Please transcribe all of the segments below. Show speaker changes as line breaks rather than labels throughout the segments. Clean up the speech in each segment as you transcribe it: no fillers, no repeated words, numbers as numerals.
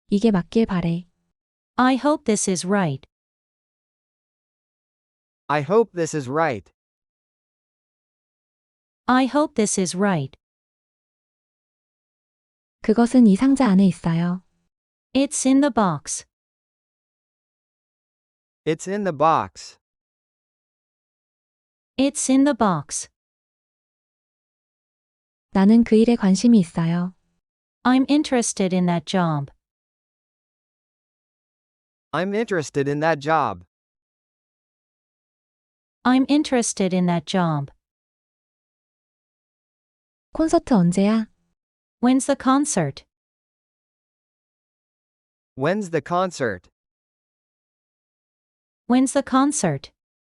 이게 맞길 바래.
I hope this is right.
I hope this is right.
I hope this is right.
그것은 이 상자 안에 있어요.
It's in the box.
It's in the box.
It's in the box.
나는 그 일에 관심이 있어요.
I'm interested in that job.
I'm interested in that job.
I'm interested in that job.
콘서트 언제야?
When's the concert?
When's the concert?
When's the concert?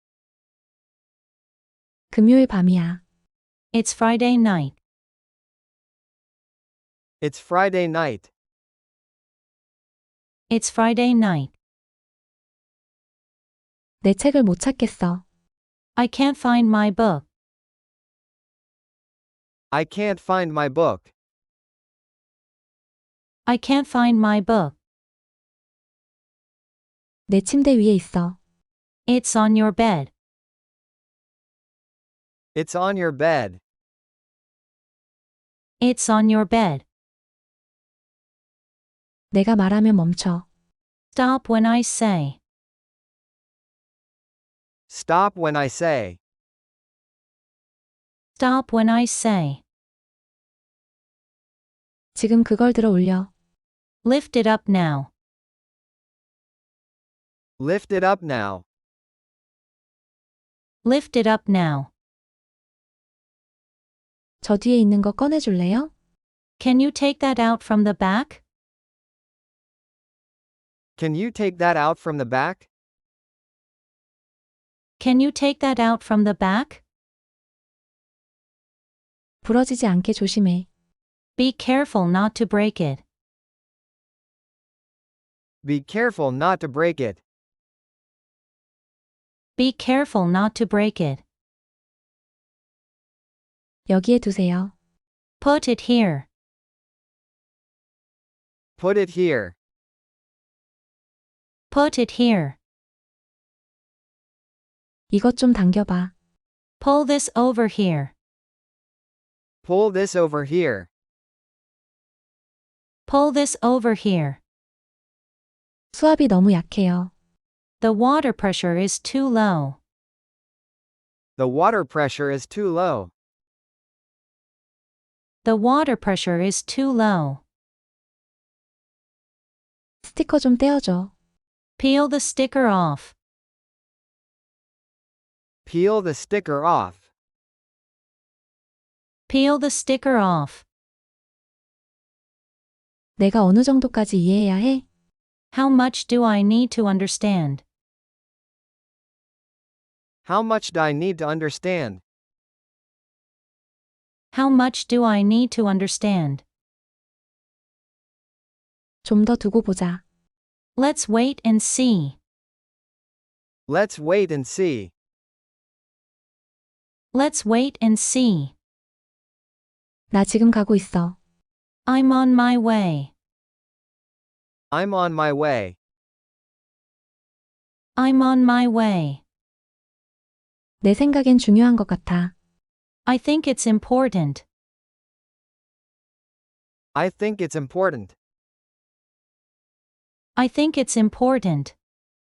금요일 밤이야.
It's Friday night.
It's Friday night.
It's Friday night.
내 책을 못 찾겠어.
I can't find my book.
I can't find my book.
I can't find my book.
내 침대 위에 있어.
It's on your bed.
It's on your bed.
It's on your bed.
내가 말하면 멈춰.
Stop when I say.
Stop when I say.
Stop when I say.
지금 그걸 들어 올려.
Lift it up now.
Lift it up now.
Lift it up now.
저 뒤에 있는 거 꺼내줄래요?
Can you take that out from the back?
Can you take that out from the back?
Can you take that out from the back?
부러지지 않게 조심해.
Be careful not to break it.
Be careful not to break it.
Be careful not to break it.
여기에 두세요.
Put it here.
Put it here.
Put it here.
이것 좀 당겨봐.
Pull this over here.
Pull this over here.
Pull this over here.
수압이 너무 약해요.
The water pressure is too low.
The water pressure is too low.
The water pressure is too low.
스티커 좀 떼어줘.
Peel the sticker off.
Peel the sticker off.
Peel the sticker off.
내가 어느 정도까지 이해해야 해?
How much do I need to understand?
How much do I need to understand?
How much do I need to understand?
좀 더 두고 보자.
Let's wait and see.
Let's wait and see.
Let's wait and see.
나 지금 가고 있어.
I'm on my way.
I'm on my way.
I'm on my way.
내 생각엔 중요한 것 같아.
I think it's important.
I think it's important.
I think it's important.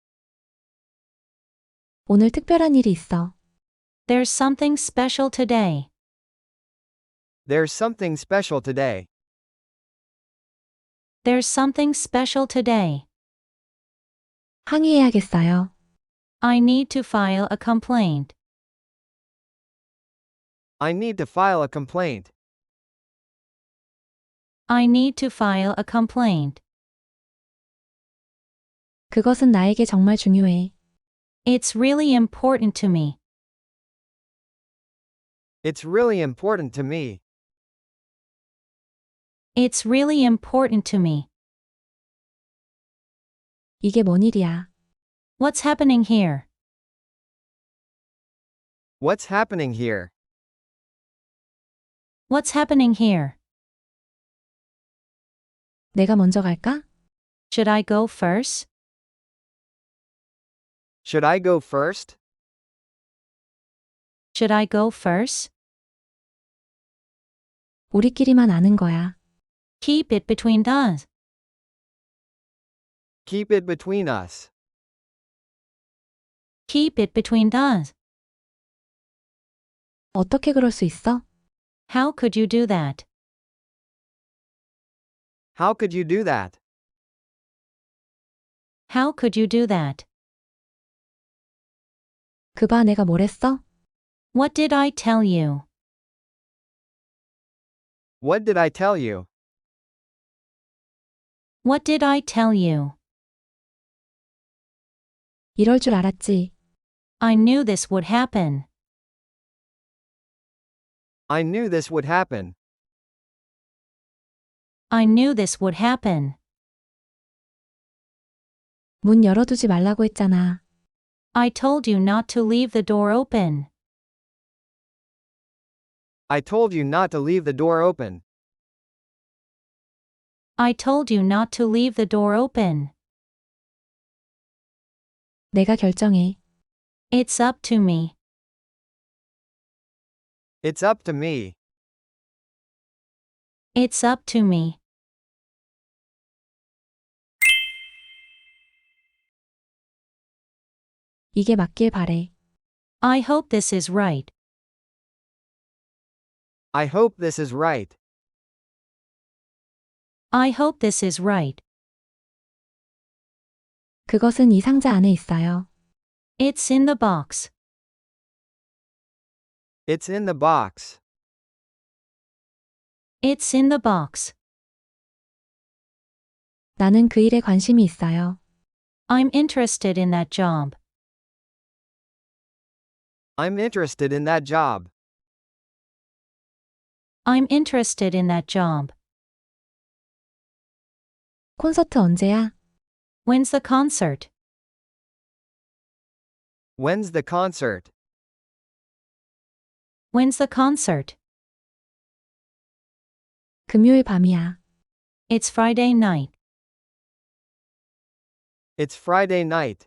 오늘 특별한 일이 있어.
There's something special today.
There's something special today.
There's something special today.
항의해야겠어요.
I need to file a complaint.
I need to file a complaint.
I need to file a complaint.
그것은 나에게 정말 중요해.
It's really important to me.
It's really important to me.
It's really important to me.
이게 뭔 일이야?
What's happening here?
What's happening here?
What's happening here?
내가 먼저 갈까?
Should I go first?
Should I go first?
Should I go first?
우리끼리만 아는 거야.
Keep it between us.
Keep it between us.
Keep it between us.
어떻게 그럴 수 있어?
How could you do that?
How could you do that?
How could you do that?
그봐 내가 뭘 했어?
What did I tell you?
What did I tell you?
What did I tell you?
이럴 줄 알았지.
I knew this would happen.
I knew this would happen.
I knew this would happen.
문 열어두지 말라고 했잖아.
I told you not to leave the door open.
I told you not to leave the door open.
I told you not to leave the door open.
내가 결정해.
It's up to me.
It's up to me.
It's up to me.
이게 맞길 바래.
I hope this is right.
I hope this is right.
I hope this is right.
그것은 이 상자 안에 있어요.
It's in the box.
It's in the box.
It's in the box.
나는 그 일에 관심이 있어요.
I'm interested in that job.
I'm interested in that job.
I'm interested in that job.
콘서트 언제야?
When's the concert?
When's the concert?
When's the concert?
금요일 밤이야.
It's Friday night.
It's Friday night.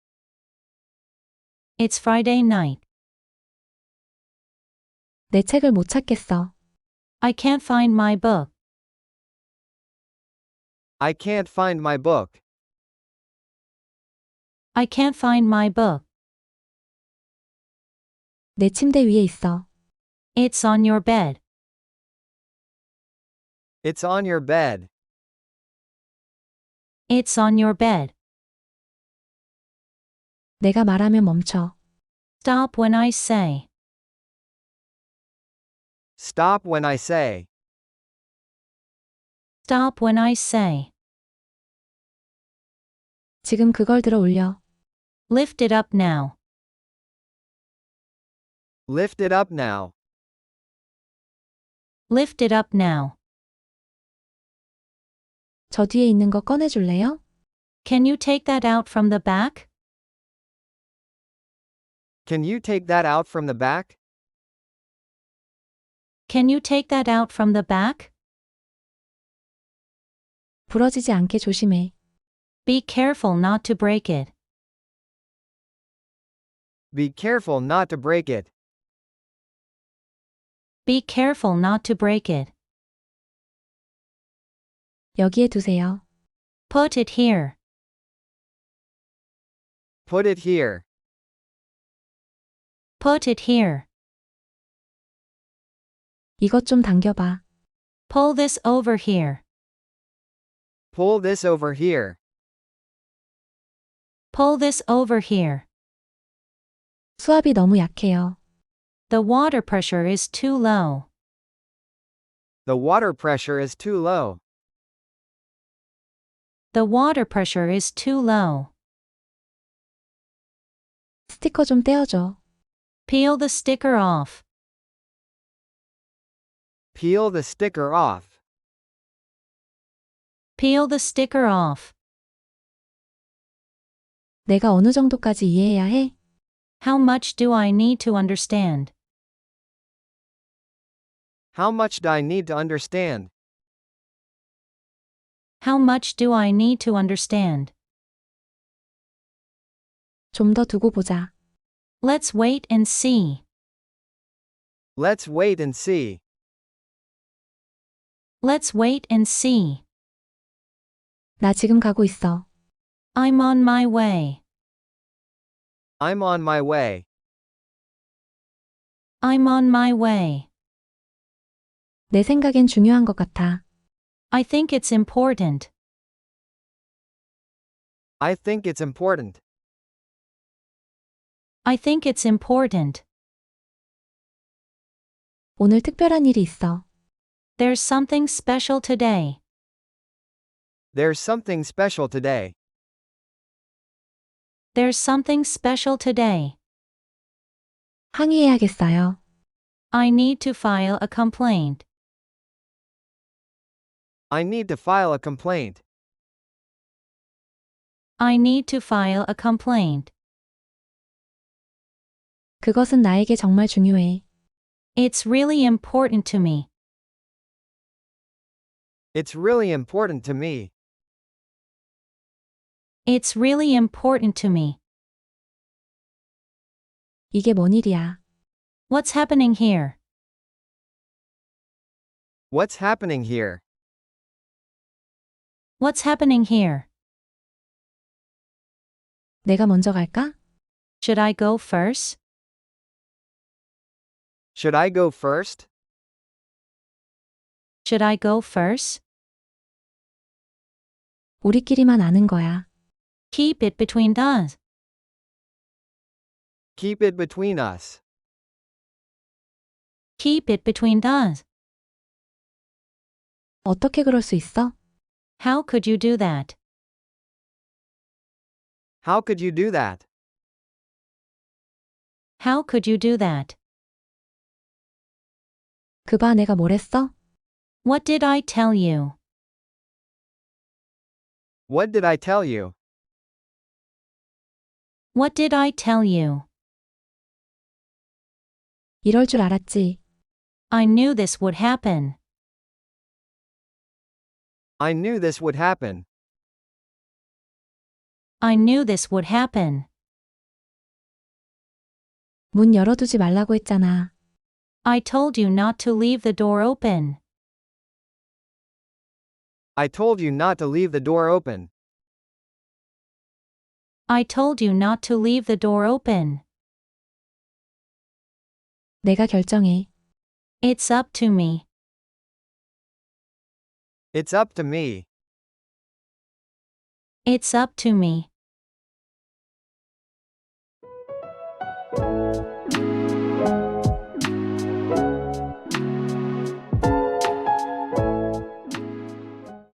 It's Friday night.
내 책을 못 찾겠어.
I can't find my book.
I can't find my book.
I can't find my book.
내 침대 위에 있어.
It's on your bed.
It's on your bed.
It's on your bed.
내가 말하면 멈춰.
Stop when I say.
Stop when I say.
Stop when I say.
지금 그걸 들어 올려.
Lift it up now.
Lift it up now.
Lift it up now.
저 뒤에 있는 거 꺼내줄래요?
Can you take that out from the back?
Can you take that out from the back?
Can you take that out from the back?
부러지지 않게 조심해.
Be careful not to break it.
Be careful not to break it.
Be careful not to break it.
여기에 두세요.
Put it here.
Put it here.
Put it here.
이것 좀 당겨봐.
Pull this over here.
Pull this over here.
Pull this over here.
수압이 너무 약해요.
The water pressure is too low.
The water pressure is too low.
The water pressure is too low.
스티커 좀 떼어줘.
Peel the sticker off.
Peel the sticker off.
Peel the sticker off.
내가 어느 정도까지 이해해야 해?
How much do I need to understand?
How much do I need to understand?
How much do I need to understand?
좀 더 두고 보자.
Let's wait and see.
Let's wait and see.
Let's wait and see.
나 지금 가고 있어.
I'm on my way.
I'm on my way.
I'm on my way.
내 생각엔 중요한 것 같아.
I think it's important.
I think it's important.
I think it's important.
오늘 특별한 일이 있어.
There's something special today.
There's something special today.
There's something special today.
항의해야겠어요.
I need to file a complaint.
I need to file a complaint.
I need to file a complaint.
그것은 나에게 정말 중요해.
It's really important to me.
It's really important to me.
It's really important to me.
이게 뭔 일이야?
What's happening here?
What's happening here?
What's happening here?
내가 먼저 갈까?
Should I go first?
Should I go first?
Should I go first?
우리끼리만 아는 거야.
Keep it between us.
Keep it between us.
Keep it between us.
어떻게 그럴 수 있어?
How could you do that?
How could you do that?
How could you do that?
그봐 내가 뭘 했어?
What did I tell you?
What did I tell you?
What did I tell you?
이럴 줄 알았지.
I knew this would happen.
I knew this would happen.
I knew this would happen.
문 열어두지 말라고 했잖아.
I told you not to leave the door open.
I told you not to leave the door open.
I told you not to leave the door open.
내가 결정해.
It's up to me.
It's up to me.
It's up to me.